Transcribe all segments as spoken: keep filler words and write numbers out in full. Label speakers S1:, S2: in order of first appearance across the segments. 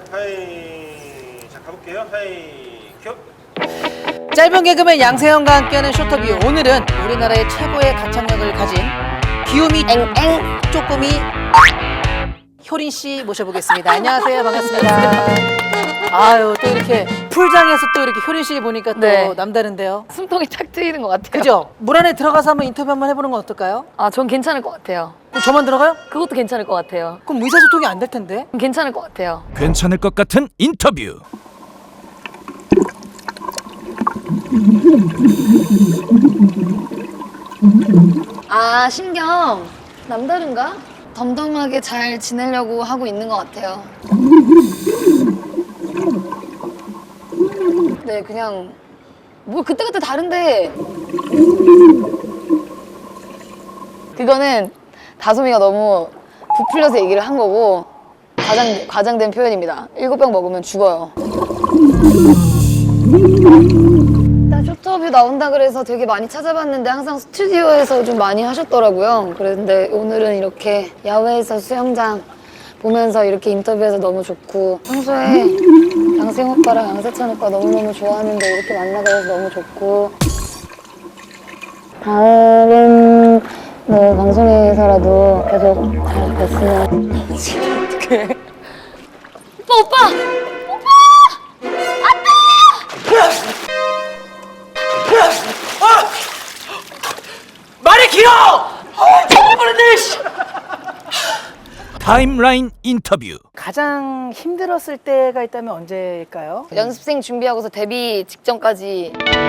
S1: 하이. 자, 가볼게요. 하이, 큐.
S2: 짧은 개그맨 양세형과 함께하는 쇼터뷰. 오늘은 우리나라의 최고의 가창력을 가진 귀요미 앵앵 쪼꼬미 효린 씨 모셔보겠습니다. 안녕하세요. 반갑습니다. 아유, 또 이렇게 풀장에서 또 이렇게 효린 씨 보니까 또
S3: 네.
S2: 남다른데요.
S3: 숨통이 탁 트이는 것 같아요.
S2: 그죠? 물 안에 들어가서 한번 인터뷰 한번 해보는 건 어떨까요?
S3: 아, 전 괜찮을 것 같아요.
S2: 그럼 저만 들어가요?
S3: 그것도 괜찮을 것 같아요.
S2: 그럼 의사소통이 안 될 텐데.
S3: 괜찮을 것 같아요.
S4: 괜찮을 것 같은 인터뷰.
S3: 아, 신경 남다른가? 덤덤하게 잘 지내려고 하고 있는 것 같아요. 네, 그냥 뭐 그때그때 다른데 그거는 다솜이가 너무 부풀려서 얘기를 한 거고 과장, 과장된 표현입니다. 일곱 병 먹으면 죽어요. 나 쇼트업이 나온다 그래서 되게 많이 찾아봤는데 항상 스튜디오에서 좀 많이 하셨더라고요. 그런데 오늘은 이렇게 야외에서 수영장 보면서 이렇게 인터뷰해서 너무 좋고 평소에 양생 오빠랑 양세찬 오빠 너무너무 좋아하는데 이렇게 만나게 돼서 너무 좋고 다른 뭐 방송에서라도 계속 잘 됐으면 어떡해 오빠 오빠!
S2: 말이 길어! 어, 정말 모르네, 씨!
S4: 타임라인 인터뷰.
S2: 가장 힘들었을 때가 있다면 언제일까요?
S3: 연습생 준비하고서 데뷔 직전까지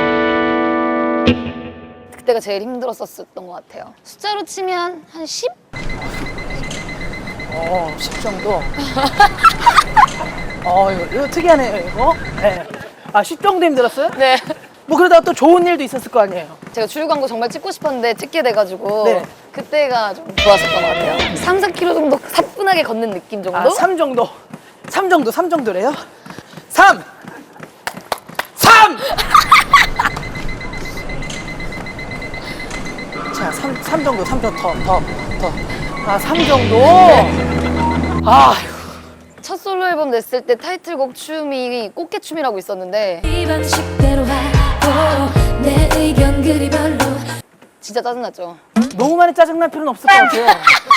S3: 그때가 제일 힘들었었던 것 같아요. 숫자로 치면 한 십?
S2: 어, 십 정도. 어, 이거, 이거 특이하네요, 이거. 네. 아, 십 정도 힘들었어요?
S3: 네.
S2: 뭐 그러다가 또 좋은 일도 있었을 거 아니에요?
S3: 제가 주류 광고 정말 찍고 싶었는데 찍게 돼가지고
S2: 네.
S3: 그때가 좀 좋았었던 것 같아요. 삼, 사 킬로미터 정도 사뿐하게 걷는 느낌 정도?
S2: 아, 삼 정도. 삼 정도, 삼 정도래요? 삼! 삼! 자, 삼, 삼 정도, 삼 정도, 더, 더, 더. 아, 삼 정도? 아휴.
S3: 첫 솔로 앨범 냈을 때 타이틀곡 춤이 꽃게춤이라고 있었는데
S5: 이 방식대로 하고 내 의견 그리 별로
S3: 진짜 짜증났죠.
S2: 너무 많이 짜증날 필요는 없을 것 같아요.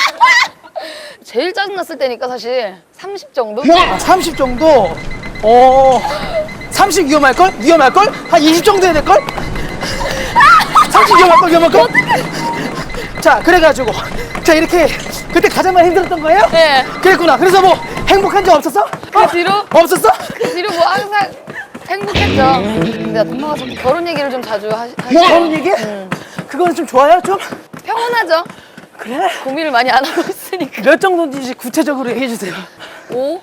S3: 제일 짜증났을 때니까 사실 삼십 정도?
S2: 아, 삼십 정도? 어, 삼십 위험할걸? 위험할걸? 한 이십 정도 해야 될걸? 삼십 위험할걸? 위험할걸? 자, 그래가지고 자, 이렇게 그때 가장 많이 힘들었던 거예요?
S3: 네.
S2: 그랬구나. 그래서 뭐 행복한 적 없었어?
S3: 그 뒤로?
S2: 없었어?
S3: 그 뒤로 뭐 항상 행복했죠. 근데 엄마가 자꾸 결혼 얘기를 좀 자주 하시, 하시고
S2: 결혼 얘기? 그거는 좀 좋아요? 좀?
S3: 평온하죠.
S2: 그래?
S3: 고민을 많이 안 하고 있으니까.
S2: 몇 정도인지 구체적으로 얘기해 주세요.
S3: 오?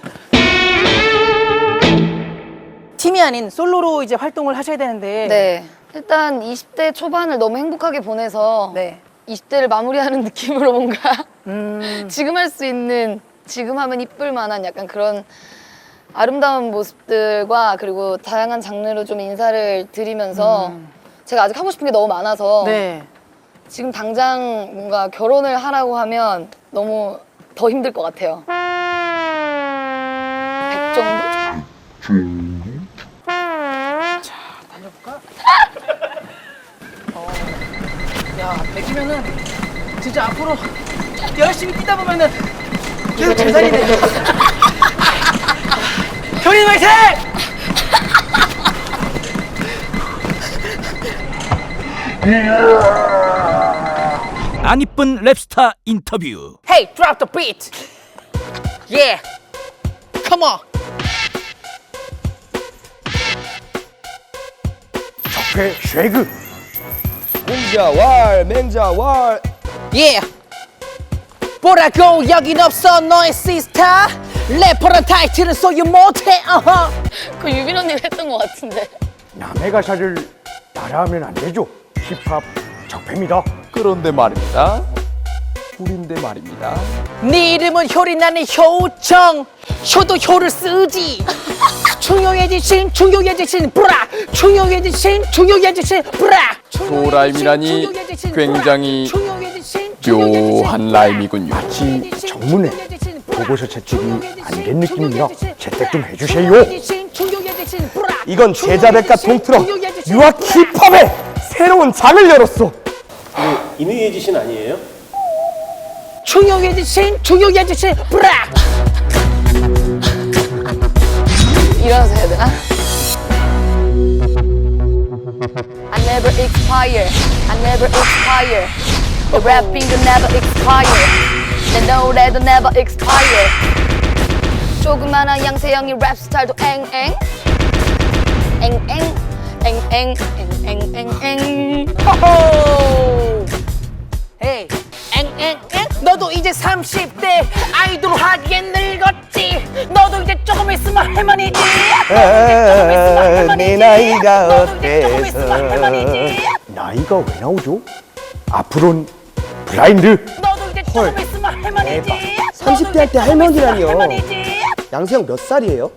S2: 팀이 아닌 솔로로 이제 활동을 하셔야 되는데
S3: 네. 일단 이십 대 초반을 너무 행복하게 보내서
S2: 네.
S3: 이십 대를 마무리하는 느낌으로 뭔가
S2: 음,
S3: 지금 할 수 있는 지금 하면 이쁠 만한 약간 그런 아름다운 모습들과 그리고 다양한 장르로 좀 인사를 드리면서 제가 아직 하고 싶은 게 너무 많아서
S2: 네.
S3: 지금 당장 뭔가 결혼을 하라고 하면 너무 더 힘들 것 같아요. 백 정도?
S2: 달려볼까? 어, 야, 백이면은 진짜 앞으로 열심히 뛰다 보면은 계속 잘 살리네. 효린 화이팅!
S4: 안 이쁜 랩스타 인터뷰.
S2: Hey, drop the beat. Yeah. Come on.
S6: 적폐 쉐그 맹자왈 맹자왈
S2: Yeah. 뭐라고 여긴 없어 너의 시스타. 래퍼란 타이틀은 소유 못해. 어허.
S3: 그 유빈 언니가 했던 것 같은데.
S6: 남의 가사를 따라하면 안 되죠. 힙합 적폐입니다.
S7: 그런데 말입니다. 꿀인데 말입니다.
S2: 네 이름은 효린 나는 효정. 효도 효를 쓰지. 중요해지신 중요해지신 브라. 중요해지신 중요해지신 브라.
S7: 소라임이라니 굉장히 묘한 라임이군요.
S6: 마치 정문에 보고서 채찍이 안 된 느낌이라 채택 좀 해주세요.
S8: 이건 제자백과 동틀어 유학 힙합의 새로운 장을 열었어.
S1: 이누이의 지신 아니에요?
S2: 중요해 주신 중요해 주신 브라.
S3: 일어나서 해야 되나? I never expire. I never expire. The rapping will never expire. 내 노래도 never expire. 조그마한 양세형이 랩 스타일도 앵앵 앵앵 앵앵 앵앵
S2: 호호. 헤이 앵앵앵 너도 이제 삼십 대 아이돌 하기엔 늙었지. 너도 이제 조금 있으면 할머니지.
S8: 내 나이가
S2: 너도 이제 조금 있으면 할머니지.
S6: 나이가 왜 나오죠? 앞으로는 블라인드.
S2: 너도 이제 조금 있으면 할머니지.
S8: 삼십 대 할 때 할머니라니요.
S2: 할머니지.
S8: 양세형 몇 살이에요?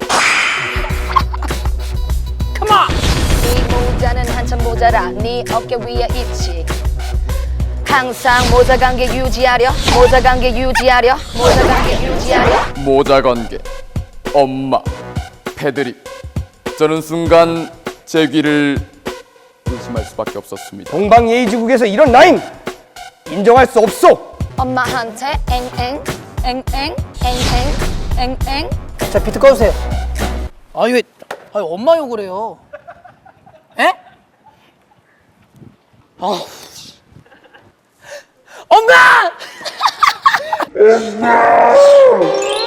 S2: 컴온.
S3: 네 모자는 한참 모자라 네 어깨 위에 있지. 항상 모자 관계 유지하려 모자 관계 유지하려 모자 관계 유지하려
S7: 모자 관계 엄마 패드립 저는 순간 제 귀를 의심할 수밖에 없었습니다.
S8: 동방예의지국에서 이런 라임 인정할 수 없어.
S3: 엄마한테 앵앵 앵앵 앵앵 앵앵
S2: 자 비트 꺼주세요. 아니 왜 아니 엄마 욕을 해요? 에? 아 엄마!